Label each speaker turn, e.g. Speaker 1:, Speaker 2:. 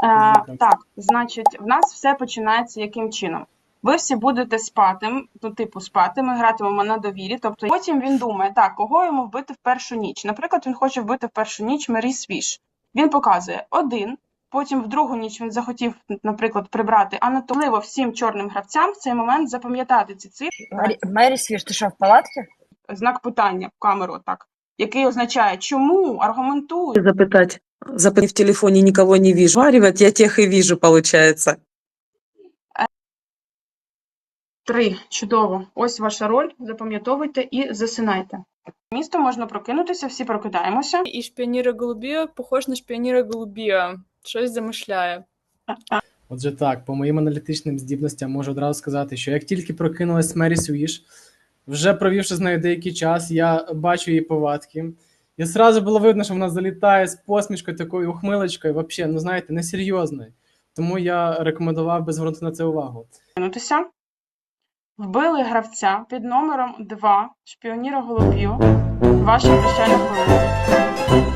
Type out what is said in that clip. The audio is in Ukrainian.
Speaker 1: Так, значить, в нас все починається яким чином? Ви всі будете спати, спати, ми гратимемо на довірі, тобто потім він думає, так, кого йому вбити в першу ніч. Наприклад, він хоче вбити в першу ніч Мері Свіш. Він показує 1, потім в другу ніч він захотів, наприклад, прибрати, а натомливо всім чорним гравцям в цей момент запам'ятати ці цифри.
Speaker 2: Мері Свіш, ти що, в палатці?
Speaker 1: Знак питання в камеру, так, який означає, чому, аргументуй.
Speaker 3: Запытать. В телефоне никого не вижу. Варивать я тех и вижу, получается.
Speaker 1: 3. Чудово. Ось ваша роль. Запам'ятовуйте і засинайте. Місто можна прокинутися, всі прокидаємося.
Speaker 4: І шпіоніра Голубія похож на шпіоніра Голубія. Щось замишляє.
Speaker 5: Отже так, по моїм аналітичним здібностям можу одразу сказати, що як тільки прокинулась Мері Свіш, вже провівши з нею деякий час, я бачу її повадки. І зразу було видно, що вона залітає з посмішкою, такою ухмилочкою, взагалі, ну знаєте, несерйозною. Тому я рекомендував би звернути на це увагу.
Speaker 1: Прокинутися. Вбили гравця під номером 2 шпіоніра Голубію. Ваша прощальна хвилина.